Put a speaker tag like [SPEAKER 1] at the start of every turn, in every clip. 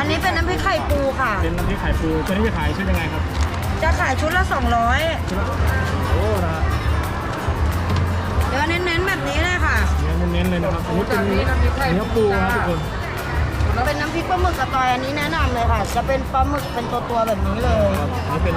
[SPEAKER 1] นนี้เป็นน้ำพริกไข่ปูค่ะ
[SPEAKER 2] เป็นน้ำพริกไข่ปูตัวนี้จะขายชุดยังไงครับ
[SPEAKER 1] จะขายชุดละ200
[SPEAKER 2] โอ้นะฮะ
[SPEAKER 1] เดี๋ยวเน้นๆแบบนี้เลยค่ะ
[SPEAKER 2] เน้นๆเลยนะครับอันนี้เป็นเนื้อปูนะทุกคน
[SPEAKER 1] เป็นน้ำพริกปลาหมึกกระตอยอันนี้แนะนำเลยค่ะจะเป็นปลาหมึกเป็นตัวแบบนี้เลย
[SPEAKER 2] อันนี้เป็น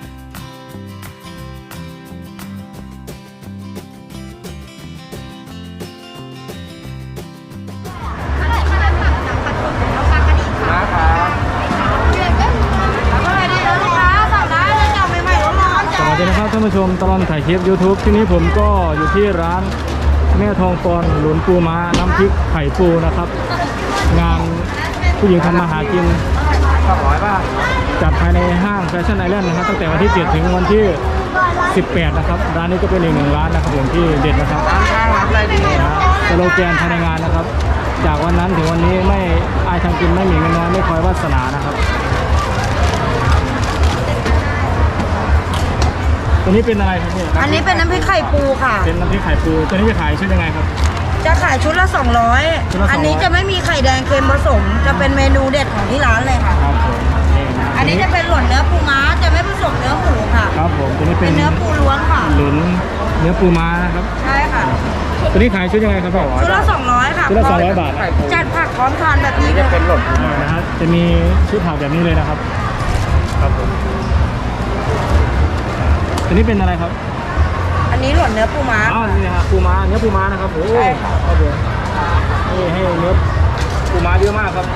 [SPEAKER 2] สวัสดีนะครับท่านผู้ชมตลอดถ่ายคลิป YouTube ที่นี้ผมก็อยู่ที่ร้านแม่ทองปอนหลุนปูม้าน้ำพริกไข่ปูนะครับงานผู้หญิงทำมาหากิน200 บาทจัดภายในห้างแฟชั่นไอแลนด์นะครับตั้งแต่วันที่7ถึงวันที่18นะครับร้านนี้ก็เป็นอีกหนึ่งร้านนะครับผมที่เด็ดนะครับสโลแกนภายในงานนะครับจากวันนั้นถึงวันนี้ไม่อายทำกินไม่หมีเงินน้อยไม่คอยวาสนานะครับตัวนี้เป็นอะไรครับเนี่ย
[SPEAKER 1] อันนี้เป็นน้ำพริกไข่ปูค่ะ
[SPEAKER 2] เป็นน้ำพริกไข่ปูตัวนี้จะขายชุดยังไงครับ
[SPEAKER 1] จะขายชุดละ200อันนี้จะไม่มีไข่แดงเค็มผสมจะเป็นเมนูเด็ดของที่ร้านเลยค่ะ
[SPEAKER 2] ครับผม
[SPEAKER 1] อันนี้จะเป็นหล่นเนื้อปูม้าจะไม่ผสมเนื้อหมูค่ะ
[SPEAKER 2] ครับผมตัวนี้เป็น
[SPEAKER 1] เนื้อปูล้วนค่ะ
[SPEAKER 2] หลุนเนื้อปูม้านะครับ
[SPEAKER 1] ใช่ค่ะ
[SPEAKER 2] ตัวนี้ขายชุดยังไงครับพ่อ
[SPEAKER 1] ชุดละ200ค่ะ
[SPEAKER 2] ชุดละ200 บาท
[SPEAKER 1] จัดผักพร้อมทานแบบนี้จะเป็นหล่นปูม้า
[SPEAKER 2] นะฮะจะมีชุดผักแบบนี้เลยนะครับครับผมตัวนี้เป็นอะไรครับ
[SPEAKER 1] อันนี้หล่นเนื้อปูม้า
[SPEAKER 2] อ๋อนี่นะครับปูม้าเนื้อปูม้านะครับโอ้ยครับผมนี่ให้เนื้อปูม้าเยอะมากครับ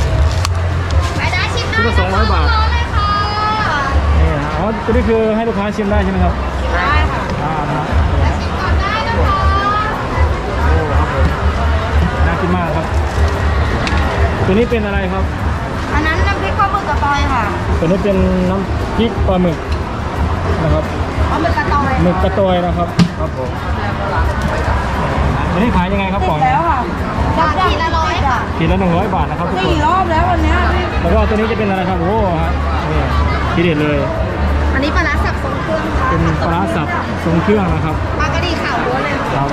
[SPEAKER 2] ชุดละ200 บาทนี่นะอ๋อตัวนี้คือให้ลูกค้าชิมได้ใช่ไหมครับ
[SPEAKER 1] ได้ค่ะ
[SPEAKER 2] นะชิมก่อนได้นะคะโอ้ครับผมน่ากินมากครับตัวนี้เป็นอะไรครับ
[SPEAKER 1] อันนั้นน้ำพริกปลาหมึกกระตอยค่ะ
[SPEAKER 2] ตัวนี้เป็นน้ำพริกปลาหมึกนะครับ
[SPEAKER 1] หมึกกระตอย
[SPEAKER 2] หมึกกระตอยนะครับครับผมอันนี้ขายยังไงครับป๋อง
[SPEAKER 1] แล้วค่ะขีดละ100ค่ะ
[SPEAKER 2] ขีดละ100 บาทนะครับทุกคน
[SPEAKER 1] 4 รอบแล้ววันนี้
[SPEAKER 2] แล้วก็ตัวนี้จะเป็นอะไรครับโอ้ฮะนี่ทีเด็ดเลย
[SPEAKER 1] อันนี้ปลาร้าสับทรงเครื่องค่ะ
[SPEAKER 2] เป็นปลาร้าสับทรงเครื่องนะครับ
[SPEAKER 1] ปลากระดีขาวล้วนเลย
[SPEAKER 2] ครับ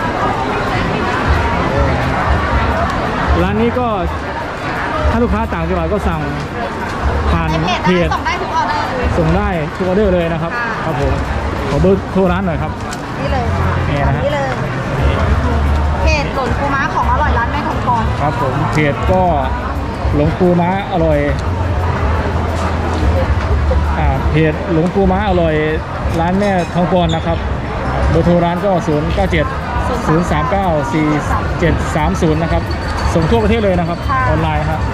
[SPEAKER 2] ร้านนี้ก็ถ้าลูกค้าต่างจังหวัดก็สั่งผ่านเพจ
[SPEAKER 1] ส่งได้ทุกออเดอร์
[SPEAKER 2] ส่งได้ทุกออเดอร์เลยนะครับครับผมขอเบอร์โทรร้านหน่อยครับ
[SPEAKER 1] นี่เลย
[SPEAKER 2] นี่นะฮะ
[SPEAKER 1] นี่เลยเพจหลงปูม้าของอร่อยร้านแม่ทองปอน
[SPEAKER 2] ครับผมเพจก็หลงปูม้าอร่อยเพจหลงปูม้าอร่อยร้านแม่ทองปอนนะครับเบอร์โทรร้านก็0970394730นะครับส่งทั่วประเทศเลยนะครับออนไลน์ครับ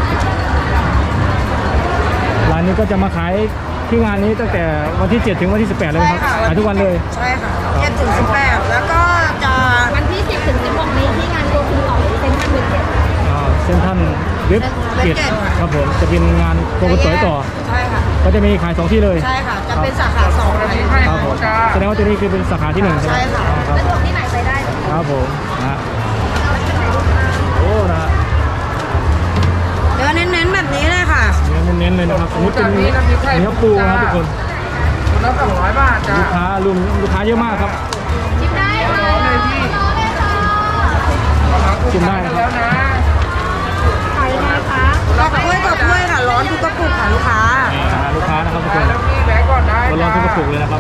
[SPEAKER 2] ร้านนี้ก็จะมาขายที่งานนี้ตั้งแต่วันที่7ถึงวันที่18เลยครับขายทุกวันเลย
[SPEAKER 1] ใช่ค่ะ7ถึง18แล้วก็จะวันที่10ถึง16นี้ที่งานโกคุต่อเซ็นทรัลเวสเกต
[SPEAKER 2] เซ็นทรัลเวสเกตครับผมจะเป็นงานโกคุต่อ
[SPEAKER 1] ใช่ค่ะ
[SPEAKER 2] ก็จะมีขาย2ที่เลย
[SPEAKER 1] ใช่ค่ะจะเป็นสาขา2
[SPEAKER 2] ครับผมแสดงว่าตัวนี้คือเป็นสาขาที่1ใช่ไหม
[SPEAKER 1] ใช่ค่ะสะดวกที่ไหนไปได้
[SPEAKER 2] ครับผมนะโอ้นะ
[SPEAKER 1] เดี๋ยวเน้นๆแบบนี้เลยค่ะ
[SPEAKER 2] เน้นๆเลยนะครับอันนี้เป็นเนื้อปูนะครับทุกคน
[SPEAKER 3] ละ200 บาทจ้า
[SPEAKER 2] ลูกค้าเยอะมากครับ
[SPEAKER 1] ชิมได้ค่ะ
[SPEAKER 2] ชิมได้นะครับ
[SPEAKER 1] ขายยังไงคะต่อถ้วยค่ะร้อนทุกกระปุกค่ะลูกค้า
[SPEAKER 2] นะครับทุกคนร้อนทุกกระปุกเลยนะครับ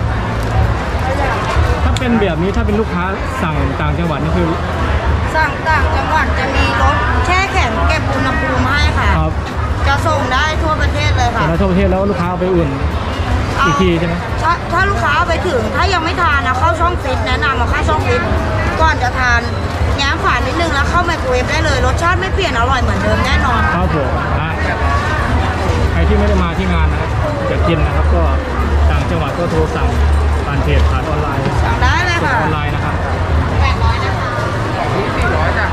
[SPEAKER 2] ถ้าเป็นแบบนี้ถ้าเป็นลูกค้าสั่งต่างจังหวัดนี่คือ
[SPEAKER 1] สั่งต่างจังหวัดจะมีรถแช่แข็งเก็บอุณหภูมิให้ค่ะ
[SPEAKER 2] ครับ
[SPEAKER 1] จะส่งได้ทั่วประเทศเลยค่ะ
[SPEAKER 2] ทั่วประเทศแล้วลูกค้าไปอุ่นอีกทีใช่ไหม
[SPEAKER 1] ถ้าลูกค้าไปถึงถ้ายังไม่ทานนะเข้าช่องฟิตแนะนำมาเข้าช่องฟิตก่อนจะทานแง้มฝานิดนึงแล้วเข้าไมโครเวฟได้เลยรสชาติไม่เปลี่ยนอร่อยเหมือนเดิมแน่นอน
[SPEAKER 2] ครับผมใครที่ไม่ได้มาที่งานนะครับจะกินนะครับก็ต่างจังหวัดก็โทรสั่งผ่านเพจผ่านออนไลน์
[SPEAKER 1] สั่งได้เลยค่ะ
[SPEAKER 2] ออนไลน์นะครับ
[SPEAKER 1] 800นะคะ
[SPEAKER 3] 400จ้ะ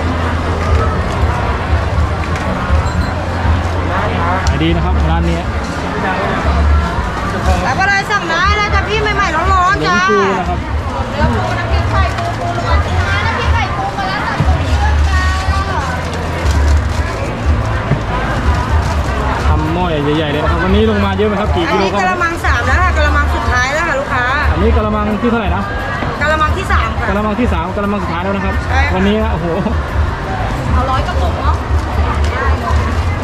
[SPEAKER 2] ขายดีนะครับร้านนี้
[SPEAKER 1] แล้วก็เลยสั่งได้แล้วจ้ะพี่ใหม่ๆร้อนๆจ้า
[SPEAKER 2] ปูนะครับ
[SPEAKER 1] เนื้อปูน้ำพริกไข่ปูล้วนจ้าน้ำพริกไข่ปูมาแล้วสั่งปูเยอะจ้า
[SPEAKER 2] ทำหม้อใหญ่ๆเลยนะครับวันนี้ลงมาเยอะไหมครับกี่กิโลครับ
[SPEAKER 1] อันนี้กะละมัง3แล้วค่ะกะละมังสุดท้ายแล้วค่ะลูกค้า
[SPEAKER 2] อันนี้กะละมังที่เท่าไหร่นะ
[SPEAKER 1] กะละมังที่3ค่ะ
[SPEAKER 2] กะละมังที่3กะละมังสุดท้ายแล้วนะครับวันนี้โอ้โห
[SPEAKER 1] เอา100 กระปุกเนาะ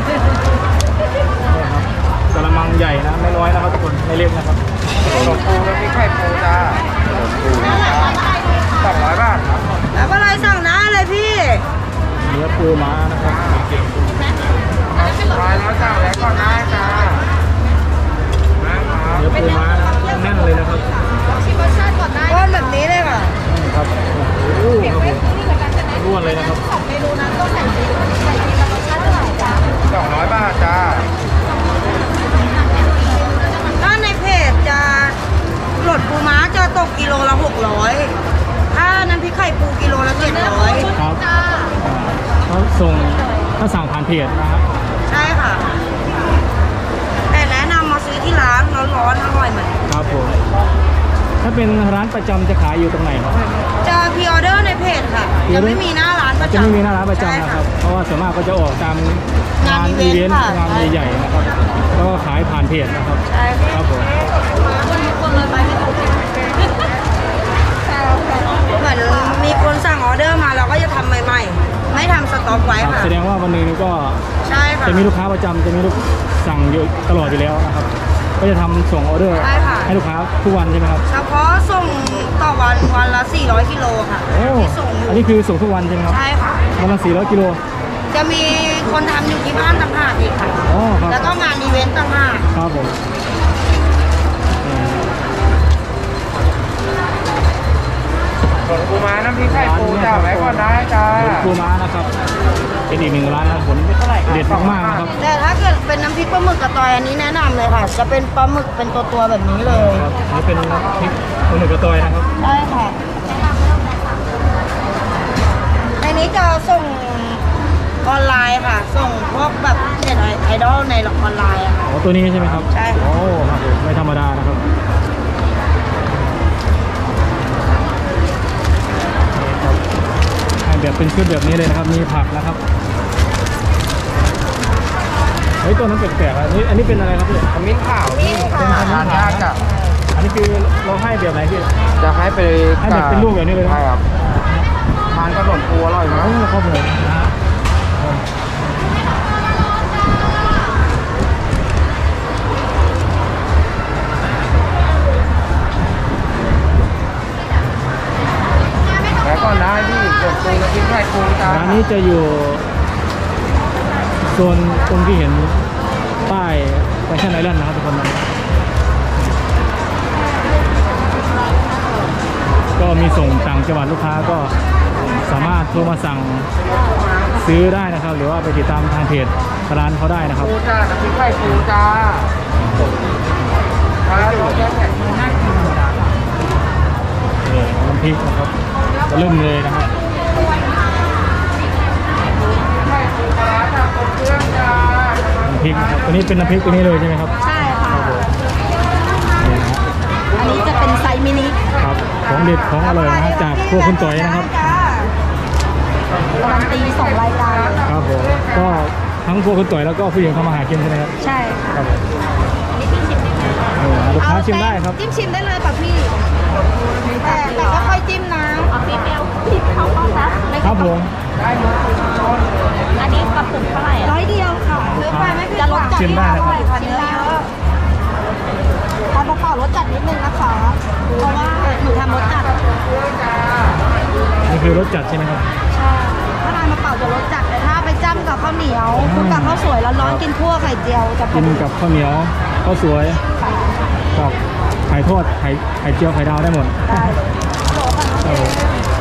[SPEAKER 2] เพจนะครับ
[SPEAKER 1] ใช่ค่ะ แต่แนะนำมาซื้อที่ร้านร้อนๆอร่อยเหมือน
[SPEAKER 2] ครับผมถ้าเป็นร้านประจำจะขายอยู่ตรงไหนครับ
[SPEAKER 1] จะพรีออเดอร์ในเพจค่ะ จะไม่มีหน้าร้านประจำ
[SPEAKER 2] จะไม่มีหน้าร้านประจำ
[SPEAKER 1] ใช่
[SPEAKER 2] นะครับ เพราะว่าส่วนมากก็จะออกตามงาน
[SPEAKER 1] งานอี
[SPEAKER 2] อีเว
[SPEAKER 1] เวน นต์
[SPEAKER 2] ต์
[SPEAKER 1] ค่ะ
[SPEAKER 2] งานใหญ่ๆนะครับแล้วก็ขายผ่านเพจนะครับ
[SPEAKER 1] ใช่
[SPEAKER 2] ครับผม
[SPEAKER 1] คนเลยไปไม่ถูกเหมือนมีคนสั่งออเดอร์มาเราก็จะทำใหม่ๆ ไม่ทำสต็อกไว้
[SPEAKER 2] ครับ
[SPEAKER 1] ค่ะ
[SPEAKER 2] แสดงว่าวันหนึงก็
[SPEAKER 1] ใช่ค่ะ
[SPEAKER 2] จะมีลูกค้าประจำจะมีลูกสั่งอยู่ตลอดอยู่แล้วนะครับ ก็จะทำส่งออเดอร์
[SPEAKER 1] ใช่ค่ะ
[SPEAKER 2] ให้ลูกค้าทุกวันใช่ไหมครับ
[SPEAKER 1] เฉพาะส่งต่อวันละ 400 กิโลค่ะ
[SPEAKER 2] โอ้
[SPEAKER 1] ที่ส่งอยู่
[SPEAKER 2] อันนี้คือส่งทุกวันใช่ไหมครับ
[SPEAKER 1] ใช่ค่ะ
[SPEAKER 2] วันละ400 กิโล
[SPEAKER 1] จะมีคนทำอยู่ที่บ้านต่างหากอีกค่ะ
[SPEAKER 2] อ๋อครับ
[SPEAKER 1] แล้วก็งานอีเวนต์ต่างหาก
[SPEAKER 2] ครับผม
[SPEAKER 3] หลวงปูม้าน้ำพริกไข่ปูจ้าไว้ก่อนได้จ้า
[SPEAKER 2] หลวงปูม้านะครับเป็นอีกหนึ่งร้านนะผลเด็ดมากๆนะครับ
[SPEAKER 1] แต่ถ้าเกิดเป็นน้ำพริกปลาหมึกกระตอยอันนี้แนะนำเลยค่ะ จะเป็นปลาหมึกเป็นตัวๆแบบนี้เลย
[SPEAKER 2] ครับอันนี้เป็นน้ำพริกปลาหมึกกระตอยนะครับ
[SPEAKER 1] ใช่ค่ะในนี้จะส่งออนไลน์ค่ะ ส่งพวกแบบเน็ตไอดอลในออนไลน์อะค่ะ
[SPEAKER 2] อ๋อตัวนี้ใช่ไหมครับ
[SPEAKER 1] ใช่ค่ะ
[SPEAKER 2] โอ้ครับผมไม่ธรรมดานะครับนี่ครับให้แบบเป็นชุดแบบนี้เลยนะครับ มีผักนะครับเฮ้ยตัวนั้นแปลกๆอันนี้เป็นอะไรครับพี่
[SPEAKER 3] ขมิ้นขาว
[SPEAKER 1] นี่ค่ะ
[SPEAKER 3] ทานยากจ้ะ
[SPEAKER 2] อันนี้คือเราให้แบบไหนพี่
[SPEAKER 3] จะให้ไป
[SPEAKER 2] ให้แบบเป็นลูกแบบนี้เลยนะ
[SPEAKER 3] ใช่ครับทานกับหลวงปูอร่อยมาก
[SPEAKER 2] โอ้ครับผมนะฮะ
[SPEAKER 3] ไว้ก่อนได้พี่หลวงปูน้ำพริกไข่ปูจ้า
[SPEAKER 2] ร้านนี้จะอยู่โซนตรงที่เห็นป้ายแฟชั่นไอแลนด์นะครับทุกคนนะก็มีส่งต่างจังหวัดลูกค้าก็สามารถโทรมาสั่งซื้อได้นะครับ หรือว่าไปติดตามทางเพจร้านเขาได้นะครับ
[SPEAKER 3] ปูจ้าน้ำพริกไข่ปูจ้าครับลองแยกแยะดูน่ากินธรรมดา
[SPEAKER 2] นี่น้ำพริกนะครับเริ่มเลยนะครับ
[SPEAKER 3] ไข่ปูปลาร้าจากกรมเครื่องจ้า
[SPEAKER 2] น้ำพริกนะครับตัวนี้เป็นน้ำพริกตัวนี้เลยใช่ไหมครับ
[SPEAKER 1] ใช่ค่ะ
[SPEAKER 2] นี่นะฮะ
[SPEAKER 1] อันนี้จะเป็นไซส์มินิ
[SPEAKER 2] ครับของเด็ดของอร่อยนะฮะจากครัวคุณต่อยนะครับ
[SPEAKER 1] การันตี2 รายการเลย
[SPEAKER 2] ครับผมก็ทั้งครัวคุณต่อยแล้วก็ผู้หญิงทำอาหารกินใช่ไหมครับ
[SPEAKER 1] ใช่ค่ะ
[SPEAKER 2] ครับผมลูกค้าชิมได้ครับ
[SPEAKER 1] จิ้มชิมได้เลยค่ะพี่ แต่ก็ค่อยจิ้มนะเอาพี่เปรี้ยวพี่เขาเข้านะครับ
[SPEAKER 2] ผม
[SPEAKER 1] อันนี้กระปุกเท่าไหร่100 เดียวค่ะซื้อไปไม่ผิดหวัง
[SPEAKER 2] ชิมได้นะครับ
[SPEAKER 1] ชิมได้ทานเปล่าๆรสจัดนิดนึงนะคะ เพราะว่าหนูทำรสจัด
[SPEAKER 2] นี่คือรสจัดใช่ไหมครับ
[SPEAKER 1] ใช่ถ้าทานเปล่าๆจะรสจัดแต่ถ้าไปจ้ำกับข้าวเหนียวคลุกกับข้าวสวยร้อนๆกินคั่วไข่เจียวจะพ
[SPEAKER 2] กิ
[SPEAKER 1] อน ดี
[SPEAKER 2] กับข้าวเหนียวข้าวสวยกับไข่ทอดไข่เจียวไข่ดาวได้หมด
[SPEAKER 1] ได้เลย
[SPEAKER 2] ครับผม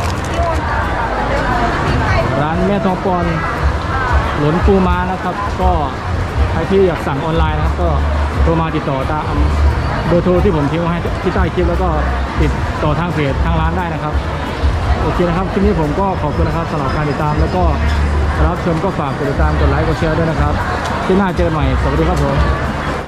[SPEAKER 2] ร้านแม่ทองปอนหลนปูม้านะครับ ก็ใครที่อยากสั่งออนไลน์นะครับ ก็โทรมาติดต่อตามเบอร์โทรที่ผมทิ้งไว้ให้ที่ใต้คลิปแล้วก็ติดต่อทางเพจทางร้านได้นะครับ โอเคนะครับคลิปนี้ผมก็ขอบคุณนะครับสำหรับการติดตามแล้วก็รับชมก็ฝากกดติดตามกดไลค์กดแชร์ด้วยนะครับที่หน้าเจอกันใหม่สวัสดีครับผม